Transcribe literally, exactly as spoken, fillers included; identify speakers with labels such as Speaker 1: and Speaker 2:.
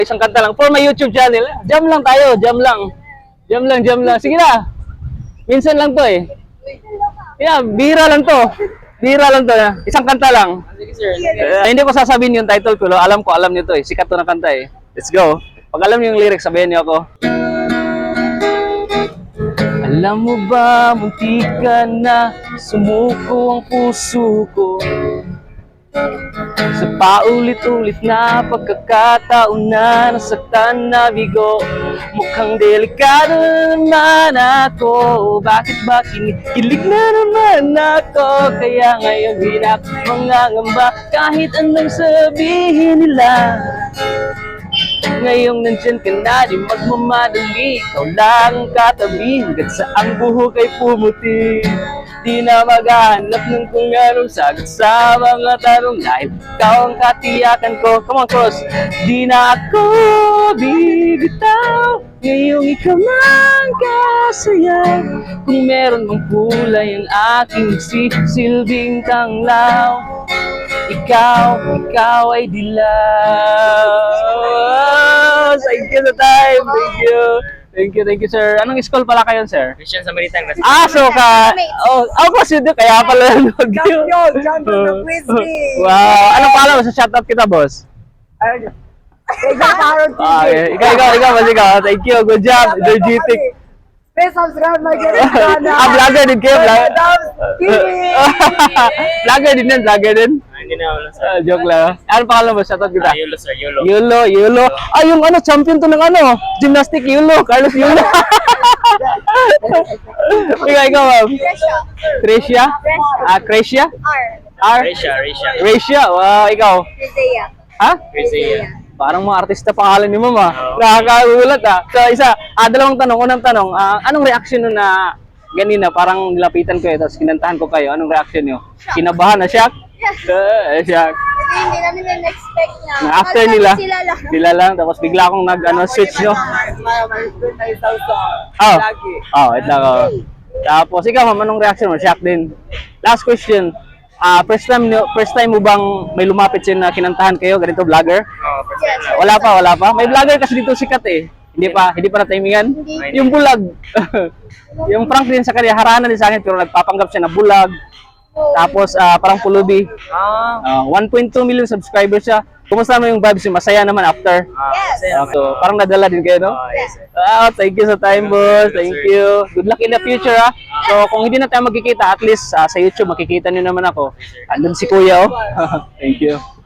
Speaker 1: Isang kanta lang for my YouTube channel. Jam lang tayo, jam lang. Jam lang, jam lang. Sige na. Minsan lang to eh. Yeah, bira lang to. Bira lang to. Isang kanta lang. Uh, hindi ko sasabihin yung title ko. Alam ko, alam niyo to eh. Sikat to na kanta eh. Let's go. Pag alam niyo yung lyrics, sabihin niyo ako. Alam mo ba, munti ka na sumuko ang puso ko sa paulit-ulit na pagkakataon na nasaktan na bigo. Mukhang delikado naman ako. Bakit ba kinikilig na naman ako? Kaya ngayon di na ako mangangamba kahit anong sabihin nila. Ngayong nandyan ka na, di magmamadali. Ikaw lang ang katabi hanggat sa ang buhok ay pumuti. Di na maghanap ng kung anong sagot sa mga tanong dahil ikaw ang katiyakan ko. Come on, cross! Di na ako bibitaw ngayong ikaw lang kasaya. Kung meron mang kulay ang aking sisilbing tanglaw, ikaw, ikaw ay dilaw. Thank you sa time. Thank you. Thank you, thank you, sir. Anong school pala kayo, sir?
Speaker 2: Christian Samaritan.
Speaker 1: Ah, so ka... Oh, ako kasi doon, kaya pala nanood yun.
Speaker 3: Champion! Champion ng quiz me!
Speaker 1: Wow. Anong pala mo? Sa shoutout kita, boss?
Speaker 3: Ayun. Ikaw, Parang T V.
Speaker 1: Ah, okay. Ikaw, ikaw, ikaw, mas ikaw. Thank you. Good job. Energetic.
Speaker 3: Please subscribe my YouTube channel.
Speaker 1: Ah, vlogger din kayo. Vlogger.
Speaker 3: T V.
Speaker 1: Vlogger din yan, vlogger din.
Speaker 2: Hindi na wala sir.
Speaker 1: Ah, joke lang. Ano pangalan mo? Shoutout kita.
Speaker 2: Ah, Yulo sir, Yulo.
Speaker 1: Yulo, Yulo. Ah, yung ano, champion to ng ano, gymnastic Yulo, Carlos Yulo. Ikaw, ikaw, ma'am. Tricia? Ah, Crecia? R.
Speaker 2: Risha, Risha.
Speaker 1: Crecia, wow, ikaw.
Speaker 3: Rizea.
Speaker 1: Ha?
Speaker 2: Rizia.
Speaker 1: Parang mga artista pangalan ni ma'am ah.
Speaker 2: Oo.
Speaker 1: Nakakagulat ah. So, isa, ah, dalawang tanong. Unang tanong, ah, anong reaction nun na ganina, parang nilapitan ko eh, tapos kinantahan ko kayo. Anong reaction nyo? Kinabahan na, shock? Uh, shock.
Speaker 4: Kasi hindi namin na-expect na.
Speaker 1: Na after
Speaker 4: Akala
Speaker 1: nila,
Speaker 4: Sila lang.
Speaker 1: sila lang, tapos bigla akong nag, ano, switch nyo. Oh,
Speaker 3: Lagi.
Speaker 1: oh, ito ako. Tapos, ikaw ma'am, anong reaction mo? Shock din. Last question. Ah, first time nyo- first time mo bang may lumapit sin na kinantahan kayo, ganito vlogger?
Speaker 2: Oh, first
Speaker 1: Wala pa, wala pa. May vlogger kasi dito sikat eh. Hindi pa, hindi pa na timingan.
Speaker 4: Hindi.
Speaker 1: Yung bulag. Yung prank din sa kanya, harana din sa akin pero nagpapanggap siya na bulag. Tapos ah, parang pulubi.
Speaker 3: Ah.
Speaker 1: Ah, one point two million subscribers siya. Kumusta naman yung vibes? Yung masaya naman after.
Speaker 4: Yes.
Speaker 1: Ah, so, parang nadala din kayo, no?
Speaker 2: Oh, yes sir.
Speaker 1: Ah, thank you sa time, boss. Thank you. Good luck in the future, ah. So, kung hindi na tayo magkikita, at least ah, sa YouTube makikita niyo naman ako. Andun si Kuya, oh. Thank you.